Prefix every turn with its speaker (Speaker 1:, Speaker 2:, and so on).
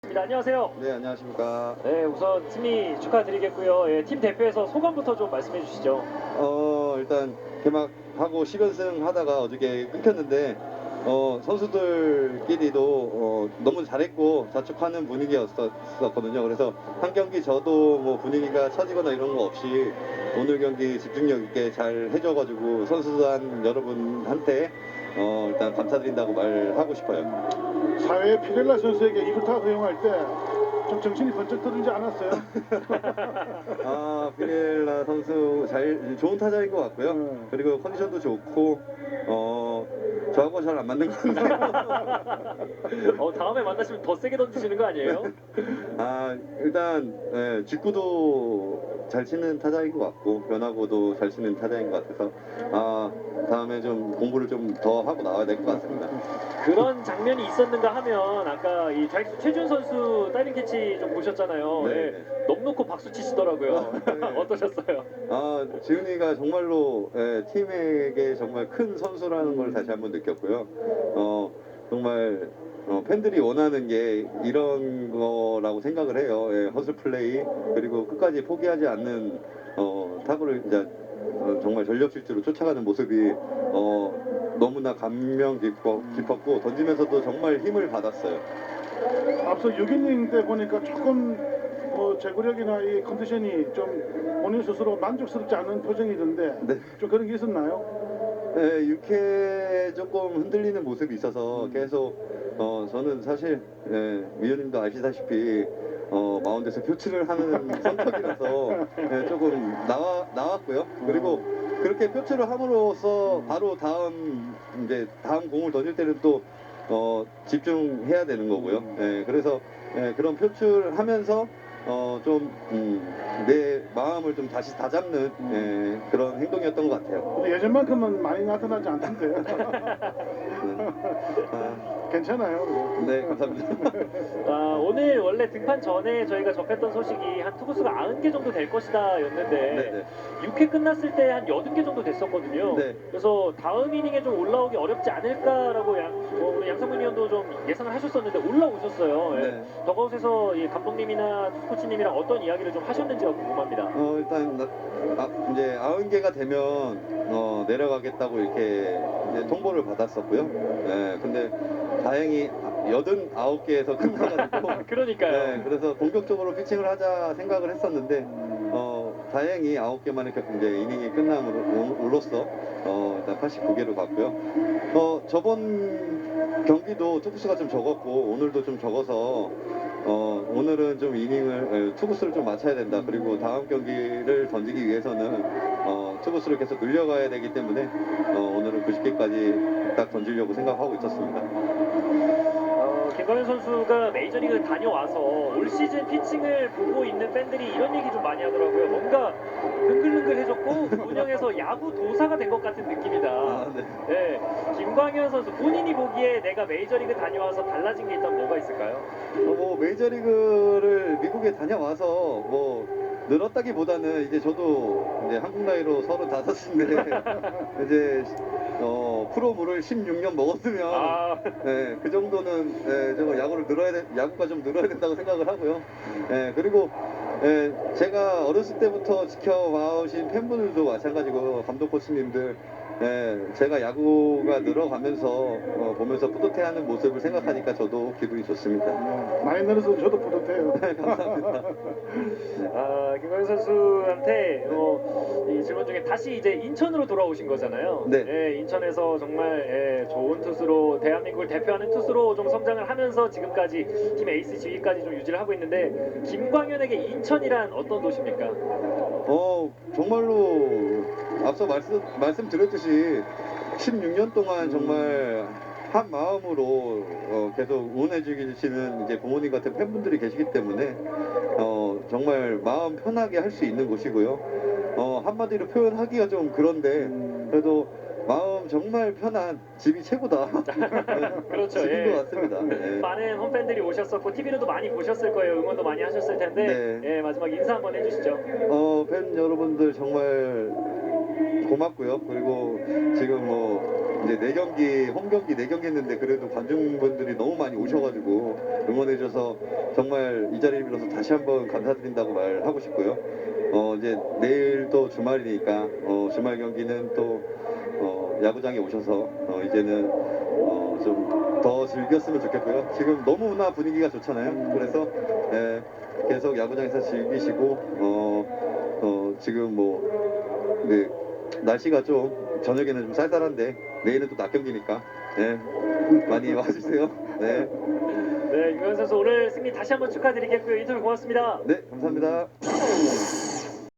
Speaker 1: 안녕하세요.
Speaker 2: 네, 안녕하십니까.
Speaker 1: 네, 우선 승리 축하드리겠고요. 예, 팀 대표에서 소감부터 좀 말씀해 주시죠.
Speaker 2: 일단 개막하고 10연승 하다가 어저께 끊겼는데 선수들끼리도 너무 잘했고 자축하는 분위기였었거든요. 그래서 한 경기 저도 뭐 분위기가 처지거나 이런 거 없이 오늘 경기 집중력 있게 잘 해줘가지고 선수단 여러분한테 일단 감사드린다고 말하고 싶어요.
Speaker 3: 사회에 피렐라 선수에게 이글타 허용할 때 좀 정신이 번쩍 들지 않았어요?
Speaker 2: 피렐라 선수 좋은 타자인 것 같고요. 그리고 컨디션도 좋고 저하고 잘 안 맞는 것 같아요.
Speaker 1: 다음에 만나시면 더 세게 던지시는 거 아니에요?
Speaker 2: 일단 직구도 잘 치는 타자인 것 같고 변화구도 잘 치는 타자인 것 같아서 다음에 좀 공부를 좀 더 하고 나와야 될 것 같습니다.
Speaker 1: 그런 장면이 있었는가 하면 아까 이 좌익수 최준 선수 다이빙 캐치 좀 보셨잖아요.
Speaker 2: 네.
Speaker 1: 예, 넋 놓고 박수 치시더라고요.
Speaker 2: 네.
Speaker 1: 어떠셨어요?
Speaker 2: 지훈이가 정말로 팀에게 정말 큰 선수라는 걸 다시 한번 느꼈고요. 정말 팬들이 원하는 게 이런 거라고 생각을 해요. 허슬 플레이 그리고 끝까지 포기하지 않는 타구를 이제 정말 전력 질주로 쫓아가는 모습이 너무나 감명 깊었고 던지면서도 정말 힘을 받았어요.
Speaker 3: 앞서 6이닝 때 보니까 조금 제구력이나 이 컨디션이 좀 본인 스스로 만족스럽지 않은 표정이던데
Speaker 2: 네.
Speaker 3: 좀 그런 게 있었나요?
Speaker 2: 네, 6회 조금 흔들리는 모습이 있어서 계속 저는 사실 위원님도 아시다시피 마운드에서 표출을 하는 성격이라서 조금 나왔고요. 그리고 그렇게 표출을 함으로써 바로 다음 공을 던질 때는 또 집중해야 되는 거고요. 그래서 그런 표출하면서 좀 내 마음을 좀 다시 다잡는 그런 행동이었던 것 같아요.
Speaker 3: 근데 예전만큼은 많이 나타나지 않던데요. 괜찮아요.
Speaker 2: 네, 감사합니다.
Speaker 1: 오늘 원래 등판 전에 저희가 접했던 소식이 한 투구수가 90개 정도 될 것이다 였는데
Speaker 2: 네네.
Speaker 1: 6회 끝났을 때 한 80개 정도 됐었거든요.
Speaker 2: 네.
Speaker 1: 그래서 다음 이닝에 좀 올라오기 어렵지 않을까라고 우리 양상문 위원도 좀 예상을 하셨었는데 올라오셨어요. 예.
Speaker 2: 네.
Speaker 1: 더가웃에서 이 감독님이나 코치님이랑 어떤 이야기를 좀 하셨는지가 궁금합니다.
Speaker 2: 일단 이제 90개가 되면 내려가겠다고 이렇게 이제 통보를 받았었고요. 근데 다행히 89개에서 끝나가지고
Speaker 1: 그러니까요.
Speaker 2: 그래서 본격적으로 피칭을 하자 생각을 했었는데 다행히 9개만에 이제 이닝이 끝남으로써 일단 89개로 갔고요. 저번 경기도 투구수가 좀 적었고 오늘도 좀 적어서 오늘은 좀 투구수를 좀 맞춰야 된다. 그리고 다음 경기를 던지기 위해서는 투구수를 계속 늘려가야 되기 때문에 오늘은 90개까지 딱 던지려고 생각하고 있었습니다.
Speaker 1: 김광현 선수가 메이저리그 다녀와서 올 시즌 피칭을 보고 있는 팬들이 이런 얘기 좀 많이 하더라고요. 뭔가 능글능글해졌고 운영에서 야구 도사가 된 것 같은 느낌이다.
Speaker 2: 네.
Speaker 1: 네, 김광현 선수 본인이 보기에 내가 메이저리그 다녀와서 달라진 게 있다면 뭐가 있을까요?
Speaker 2: 메이저리그를 미국에 다녀와서 늘었다기보다는 이제 저도 이제 한국 나이로 35인데 이제 프로물을 16년 먹었으면 그 정도는 좀 야구가 좀 늘어야 된다고 생각을 하고요. 그리고 제가 어렸을 때부터 지켜봐오신 팬분들도 마찬가지고 감독 코치님들 제가 야구가 늘어가면서 보면서 뿌듯해하는 모습을 생각하니까 저도 기분이 좋습니다.
Speaker 3: 많이 늘어서 저도 뿌듯해요.
Speaker 2: 감사합니다.
Speaker 1: 김광현 선수한테 이 질문 중에 다시 이제 인천으로 돌아오신 거잖아요.
Speaker 2: 네.
Speaker 1: 인천에서 정말 좋은 투수로 대한민국을 대표하는 투수로 좀 성장을 하면서 지금까지 팀 에이스 지위까지 좀 유지를 하고 있는데 김광현에게 인천이란 어떤 도시입니까?
Speaker 2: 정말로 앞서 말씀드렸듯이 16년 동안 정말 한 마음으로 계속 응원해 주시는 이제 부모님 같은 팬분들이 계시기 때문에 정말 마음 편하게 할 수 있는 곳이고요. 한마디로 표현하기가 좀 그런데 그래도 마음 정말 편한 집이 최고다.
Speaker 1: 그렇죠.
Speaker 2: 집인 것 같습니다.
Speaker 1: 많은 홈팬들이 오셨었고 TV로도 많이 보셨을 거예요. 응원도 많이 하셨을 텐데 마지막 인사 한번 해주시죠.
Speaker 2: 팬 여러분들 정말 고맙고요. 그리고 지금 이제 4경기 홈 경기 4경기 했는데 그래도 관중분들이 너무 많이 오셔가지고 응원해줘서 정말 이 자리를 빌어서 다시 한번 감사드린다고 말하고 싶고요. 이제 내일 또 주말이니까 주말 경기는 또 야구장에 오셔서 이제는 좀 더 즐겼으면 좋겠고요. 지금 너무나 분위기가 좋잖아요. 그래서 계속 야구장에서 즐기시고 지금 뭐 네, 날씨가 좀 저녁에는 좀 쌀쌀한데 내일은 또 낮 경기니까 많이 와주세요. 네,
Speaker 1: 네, 유현 선수 오늘 승리 다시 한번 축하드리겠고요. 인터뷰 고맙습니다.
Speaker 2: 네 감사합니다.